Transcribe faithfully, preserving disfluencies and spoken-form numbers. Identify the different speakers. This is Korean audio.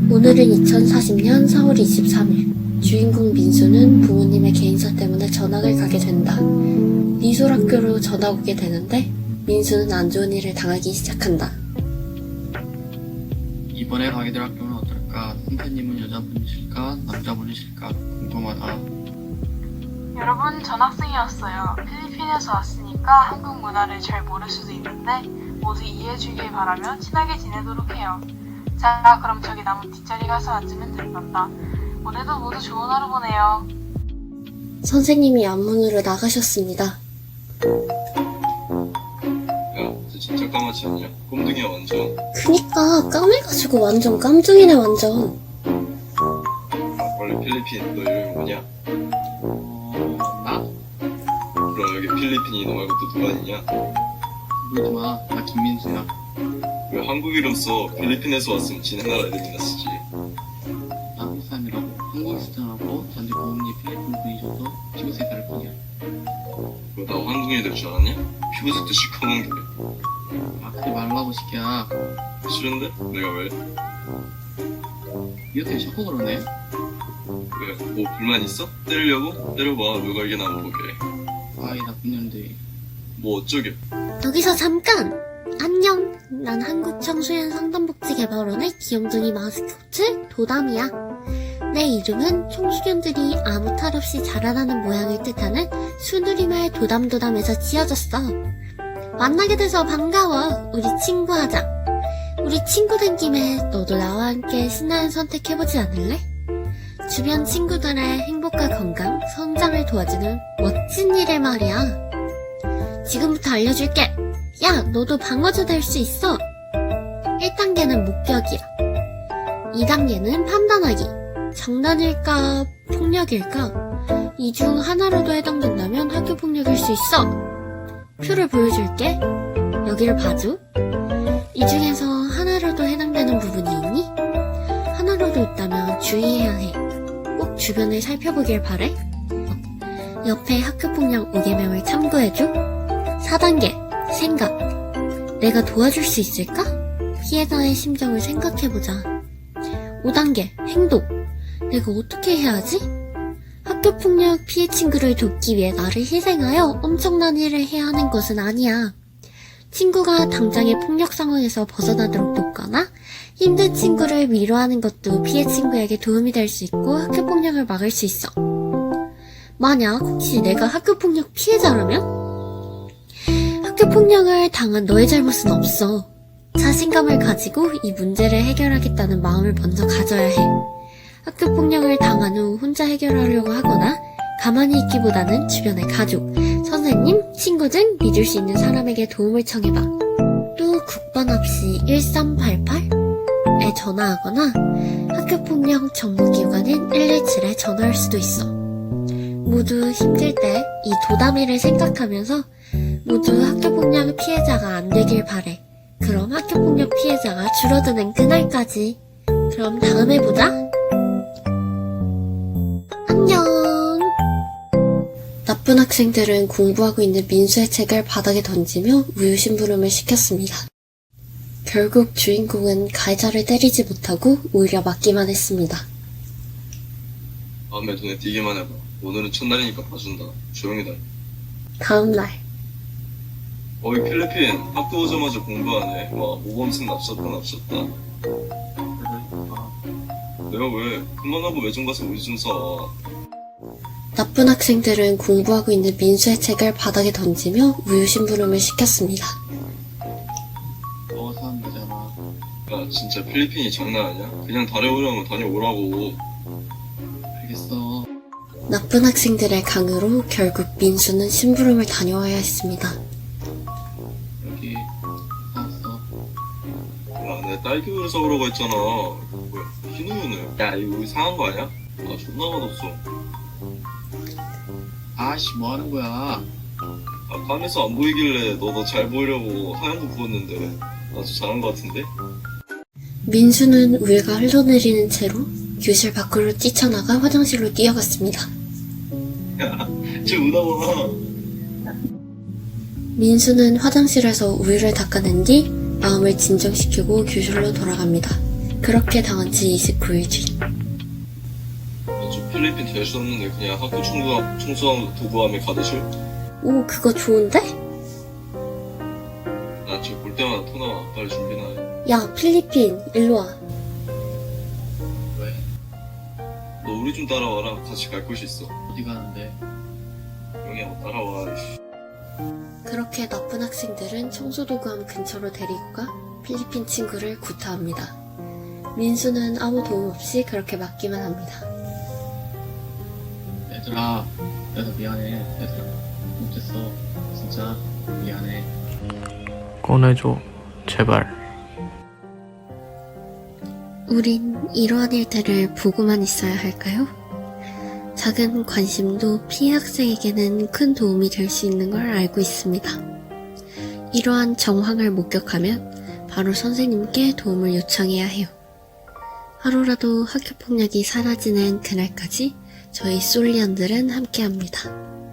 Speaker 1: 오늘은 이천사십 년 사월 이십삼일. 주인공 민수는 부모님의 개인사 때문에 전학을 가게 된다. 미술학교로 전학 오게 되는데 민수는 안 좋은 일을 당하기 시작한다.
Speaker 2: 이번에 가게 될 학교는 어떨까? 선생님은 여자분이실까? 남자분이실까? 궁금하다.
Speaker 3: 여러분, 전학생이었어요. 필리핀에서 왔으니까 한국 문화를 잘 모를 수도 있는데 모두 이해해주길 바라며 친하게 지내도록 해요. 자, 그럼 저기 나무 뒷자리 가서 앉으면 된단다. 오늘도 모두 좋은 하루 보내요.
Speaker 1: 선생님이 앞문으로 나가셨습니다.
Speaker 4: 야, 쟤 진짜 까맣지 않냐? 꼼둥이야 완전.
Speaker 1: 그니까 까매가지고 완전 깜둥이네 완전.
Speaker 4: 아, 원래 필리핀 너 이름이 뭐냐?
Speaker 2: 어... 나?
Speaker 4: 그럼 여기 필리핀이 너 말고 또 누가 있냐?
Speaker 2: 물지 마. 나 김민수야.
Speaker 4: 왜 한국 이름 써? 필리핀에서 왔으면 지네 나라 이름이나 쓰지.
Speaker 2: 나 한국 사람이라고. 한국에서 태어나고 전직 부모님이 필리핀 분이셔서 피부색이 다를 뿐이야.
Speaker 4: 너 나 한국인이 될 줄 알았냐? 피부색도 시커먼 게.
Speaker 2: 아, 그러지 말라고 시키야.
Speaker 4: 싫은데? 내가 왜?
Speaker 2: 이렇게 자꾸 그러네.
Speaker 4: 왜? 뭐 불만 있어? 때리려고? 때려봐. 누가 이게 나만 보게.
Speaker 2: 아이, 나쁜 년들.
Speaker 4: 뭐 어쩌게?
Speaker 1: 여기서 잠깐! 안녕! 난 한국청소년 상담복지개발원의 귀염둥이 마스코트 도담이야. 내 이름은 청소년들이 아무 탈 없이 자라나는 모양을 뜻하는 수누리말 도담도담에서 지어졌어. 만나게 돼서 반가워. 우리 친구하자. 우리 친구 된 김에 너도 나와 함께 신나는 선택해보지 않을래? 주변 친구들의 행복과 건강, 성장을 도와주는 멋진 일을 말이야. 지금부터 알려줄게. 야, 너도 방어주 될 수 있어. 일 단계는 목격이야. 이 단계는 판단하기. 장난일까, 폭력일까? 이 중 하나로도 해당된다면 학교폭력일 수 있어. 표를 보여줄게. 여기를 봐줘. 이 중에서 하나로도 해당되는 부분이 있니? 하나로도 있다면 주의해야 해. 꼭 주변을 살펴보길 바래. 옆에 학교폭력 오 개명을 참고해줘. 사 단계, 생각. 내가 도와줄 수 있을까? 피해자의 심정을 생각해보자. 오 단계, 행동. 내가 어떻게 해야 하지? 학교폭력 피해 친구를 돕기 위해 나를 희생하여 엄청난 일을 해야 하는 것은 아니야. 친구가 당장의 폭력 상황에서 벗어나도록 돕거나 힘든 친구를 위로하는 것도 피해 친구에게 도움이 될 수 있고 학교폭력을 막을 수 있어. 만약 혹시 내가 학교폭력 피해자라면? 학교폭력을 당한 너의 잘못은 없어. 자신감을 가지고 이 문제를 해결하겠다는 마음을 먼저 가져야 해. 학교폭력을 당한 후 혼자 해결하려고 하거나 가만히 있기보다는 주변의 가족, 선생님, 친구 등 믿을 수 있는 사람에게 도움을 청해봐. 또 국번 없이 일삼팔팔에 전화하거나 학교폭력 전문기관인 일일칠에 전화할 수도 있어. 모두 힘들 때 이 도담이를 생각하면서 모두 학교폭력 피해자가 안 되길 바래. 그럼 학교폭력 피해자가 줄어드는 그날까지. 그럼 다음에 보자. 안녕. 나쁜 학생들은 공부하고 있는 민수의 책을 바닥에 던지며 우유 심부름을 시켰습니다. 결국 주인공은 가해자를 때리지 못하고 오히려 맞기만 했습니다.
Speaker 4: 다음에 눈에 띄기만 해봐. 오늘은 첫날이니까 봐준다. 조용히 다.
Speaker 1: 다음날.
Speaker 4: 어이 필리핀 학교 오자마자 공부하네. 와 모범생 납셨다 납셨다. 내가 왜 그만하고 외정 가서 우유 좀 사.
Speaker 1: 나쁜 학생들은 공부하고 있는 민수의 책을 바닥에 던지며 우유 심부름을 시켰습니다.
Speaker 2: 너가 사는 거잖아.
Speaker 4: 야 진짜 필리핀이 장난 아니야? 그냥 다녀오려면 다녀오라고.
Speaker 2: 알겠어.
Speaker 1: 나쁜 학생들의 강요로 결국 민수는 심부름을 다녀와야 했습니다.
Speaker 2: 여기 사왔어.
Speaker 4: 야 내가 딸기 우유 사오라고 했잖아. 뭐야 흰 우유는? 야 이거 우유 상한 거 아니야? 아 존나 맛없어.
Speaker 2: 아씨, 뭐 하는 거야?
Speaker 4: 아 깜에서 안 보이길래 너 너 잘 보이려고 하얀 거 부었는데 아주 잘한 거 같은데?
Speaker 1: 민수는 우유가 흘러내리는 채로 교실 밖으로 뛰쳐나가 화장실로 뛰어갔습니다.
Speaker 4: 야쟤 우나봐.
Speaker 1: 민수는 화장실에서 우유를 닦아낸 뒤 마음을 진정시키고 교실로 돌아갑니다. 그렇게 당한 지 이십구 일 뒤.
Speaker 4: 저 필리핀 될 수 없는데 그냥 학교 청소함, 청소함 도구함에 가듯이?
Speaker 1: 오, 그거 좋은데?
Speaker 4: 나 지금 볼 때마다 토 나와. 빨리 준비나 해.
Speaker 1: 야, 필리핀, 일로 와.
Speaker 2: 왜?
Speaker 4: 너 우리 좀 따라와라. 같이 갈 곳이 있어.
Speaker 2: 어디 가는데?
Speaker 4: 영희야, 따라와. 이씨.
Speaker 1: 그렇게 나쁜 학생들은 청소도구함 근처로 데리고 가 필리핀 친구를 구타합니다. 민수는 아무 도움 없이 그렇게 맞기만 합니다.
Speaker 2: 얘들아, 내가 미안해. 얘들아, 못했어. 진짜 미안해.
Speaker 5: 꺼내줘, 제발.
Speaker 1: 우린 이러한 일들을 보고만 있어야 할까요? 작은 관심도 피해 학생에게는 큰 도움이 될 수 있는 걸 알고 있습니다. 이러한 정황을 목격하면 바로 선생님께 도움을 요청해야 해요. 하루라도 학교폭력이 사라지는 그날까지 저희 솔리언들은 함께합니다.